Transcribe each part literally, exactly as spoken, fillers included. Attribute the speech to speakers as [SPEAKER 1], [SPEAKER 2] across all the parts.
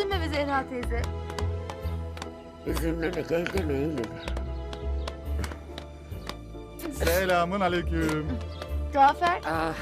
[SPEAKER 1] Üzülme be Zehra teyze.
[SPEAKER 2] Üzülmemek elde neydi?
[SPEAKER 3] Selamun aleyküm.
[SPEAKER 1] Cafer,
[SPEAKER 2] Ah,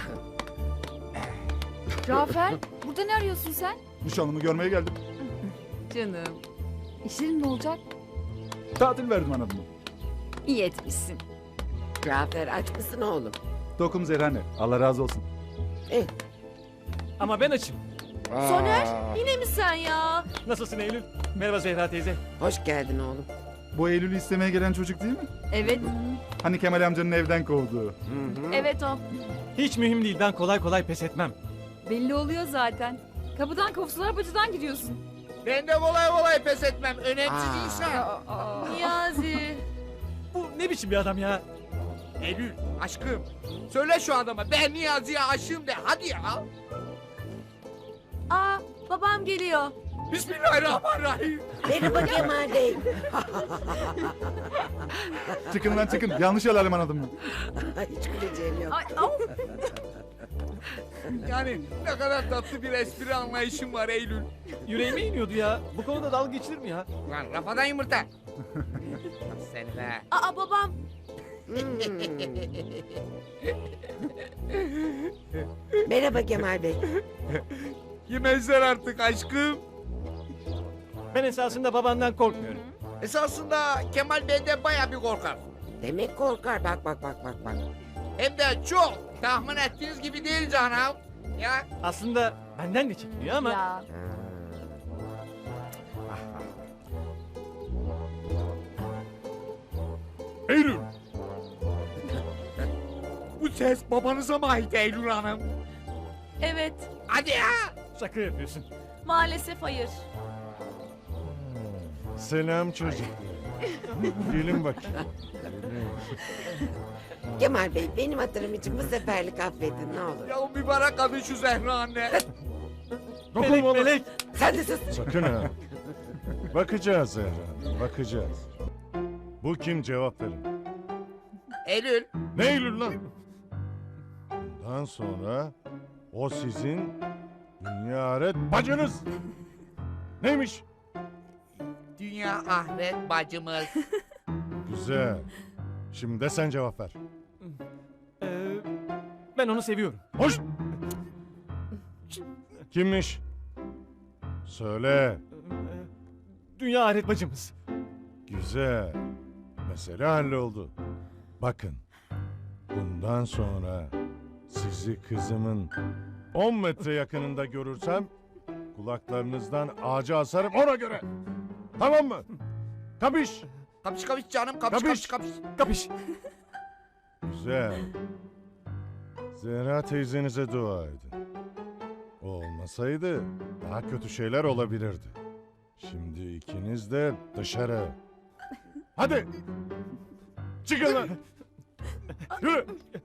[SPEAKER 1] Cafer. Burada ne arıyorsun sen?
[SPEAKER 3] Nişanlımı görmeye geldim.
[SPEAKER 1] Canım. İşlerin ne olacak?
[SPEAKER 3] Tatil verdim anadımı.
[SPEAKER 1] İyi etmişsin.
[SPEAKER 2] Cafer aç mısın oğlum?
[SPEAKER 3] Dokum Zerhane. Allah razı olsun.
[SPEAKER 2] Eh.
[SPEAKER 4] Ama ben açım.
[SPEAKER 1] Soner, yine mi sen ya?
[SPEAKER 4] Nasılsın Eylül? Merhaba Zehra teyze.
[SPEAKER 2] Hoş geldin oğlum.
[SPEAKER 3] Bu Eylül'ü istemeye gelen çocuk değil mi?
[SPEAKER 1] Evet.
[SPEAKER 3] Hani Kemal amcanın evden kovduğu.
[SPEAKER 2] Hı hı.
[SPEAKER 1] Evet o.
[SPEAKER 4] Hiç mühim değil, ben kolay kolay pes etmem.
[SPEAKER 1] Belli oluyor zaten. Kapıdan kovsalar bacıdan gidiyorsun.
[SPEAKER 5] Ben de kolay kolay pes etmem. Önemsiz
[SPEAKER 2] Aa.
[SPEAKER 5] insan.
[SPEAKER 1] Niyazi.
[SPEAKER 4] Bu ne biçim bir adam ya?
[SPEAKER 5] Eylül aşkım. Söyle şu adama ben Niyazi'ye aşığım de hadi ya.
[SPEAKER 1] Aa, babam geliyor.
[SPEAKER 5] Bismillahirrahmanirrahim.
[SPEAKER 2] Merhaba Kemal Bey.
[SPEAKER 3] Çıkın lan çıkın. Yanlış alalım anadımı.
[SPEAKER 2] Hiç güleceğim yok.
[SPEAKER 1] Ay, au.
[SPEAKER 5] Yani ne kadar tatlı bir espri anlayışım var Eylül.
[SPEAKER 4] Yüreğime iniyordu ya. Bu konuda dalga geçilir mi ya?
[SPEAKER 5] Lan rafadan yumurta. Seni be.
[SPEAKER 1] Aa, babam.
[SPEAKER 2] Merhaba Kemal Bey.
[SPEAKER 5] Yemezler artık aşkım.
[SPEAKER 4] Ben esasında babandan korkmuyorum.
[SPEAKER 5] Esasında Kemal benden baya bir korkar.
[SPEAKER 2] Demek korkar. Bak bak bak bak bak.
[SPEAKER 5] Hem de çok. Tahmin ettiğiniz gibi değil canım. Ya
[SPEAKER 4] Aslında benden de çekiniyor ama...
[SPEAKER 1] Ya.
[SPEAKER 5] Eylül. Bu ses babanıza mı ait Eylül Hanım?
[SPEAKER 1] Evet.
[SPEAKER 5] Hadi ya.
[SPEAKER 4] Şaka yapıyorsun.
[SPEAKER 1] Maalesef hayır.
[SPEAKER 6] Selam çocuk. Gelin bakayım.
[SPEAKER 2] Kemal Bey benim hatırım için bu seferlik affedin ne olur.
[SPEAKER 5] Ya o mübarek kadın şu Zehra anne.
[SPEAKER 4] Melek melek.
[SPEAKER 2] Sen de sus.
[SPEAKER 6] Sakın ha. Bakacağız Zehra, bakacağız. Bu kim, cevap verin.
[SPEAKER 5] Eylül.
[SPEAKER 6] Ne Eylül lan? Bundan sonra o sizin dünya ahiret bacınız. Neymiş?
[SPEAKER 5] Dünya ahiret bacımız.
[SPEAKER 6] Güzel. Şimdi de sen cevap ver.
[SPEAKER 4] Ee, ben onu seviyorum.
[SPEAKER 6] Hoş. Kimmiş? Söyle.
[SPEAKER 4] Ee, Dünya ahiret bacımız.
[SPEAKER 6] Güzel. Mesele halloldu. Bakın. Bundan sonra sizi kızımın on metre yakınında görürsem kulaklarınızdan ağaca asarım ona göre. Tamam mı? Kapış.
[SPEAKER 5] Kapış kapış canım kapış
[SPEAKER 6] Kapış.
[SPEAKER 5] kapış kapış.
[SPEAKER 4] Kapış.
[SPEAKER 6] Güzel. Zehra teyzenize dua edin. O olmasaydı daha kötü şeyler olabilirdi. Şimdi ikiniz de dışarı. Hadi. Çıkın lan. Yürü.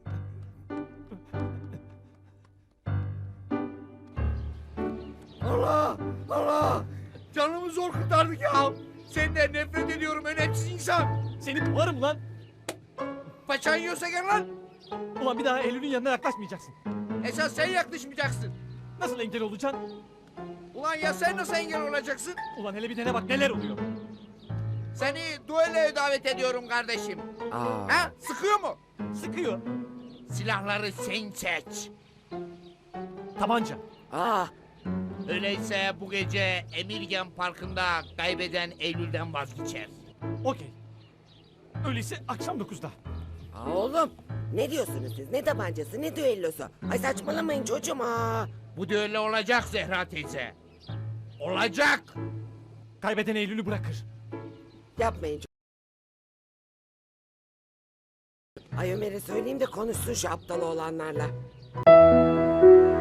[SPEAKER 5] Allah Allah. Canımı zor kurtardık ya. Senden nefret ediyorum önemsiz insan.
[SPEAKER 4] Seni kovarım lan.
[SPEAKER 5] Paçan yiyorsa gel lan.
[SPEAKER 4] Ulan bir daha Eylül'ün yanına yaklaşmayacaksın.
[SPEAKER 5] Esas sen yaklaşmayacaksın.
[SPEAKER 4] Nasıl engel olacaksın?
[SPEAKER 5] Ulan ya sen nasıl engel olacaksın?
[SPEAKER 4] Ulan hele bir dene bak neler oluyor.
[SPEAKER 5] Seni duelloya davet ediyorum kardeşim.
[SPEAKER 2] Aa.
[SPEAKER 5] Ha? Sıkıyor mu?
[SPEAKER 4] Sıkıyor.
[SPEAKER 5] Silahları sen seç.
[SPEAKER 4] Tabanca.
[SPEAKER 2] Aa.
[SPEAKER 5] Öyleyse bu gece Emirgan Parkı'nda kaybeden Eylül'den vazgeçer.
[SPEAKER 4] Okey. Öyleyse akşam dokuzda.
[SPEAKER 2] Aa oğlum. Ne diyorsunuz siz? Ne tabancası ne düellosu? Ay saçmalamayın çocuğum aa.
[SPEAKER 5] Bu düello olacak Zehra teyze. Olacak.
[SPEAKER 4] Kaybeden Eylül'ü bırakır.
[SPEAKER 2] Yapmayın çocuğum. Ay Ömer'e söyleyeyim de konuşsun şu aptal oğlanlarla.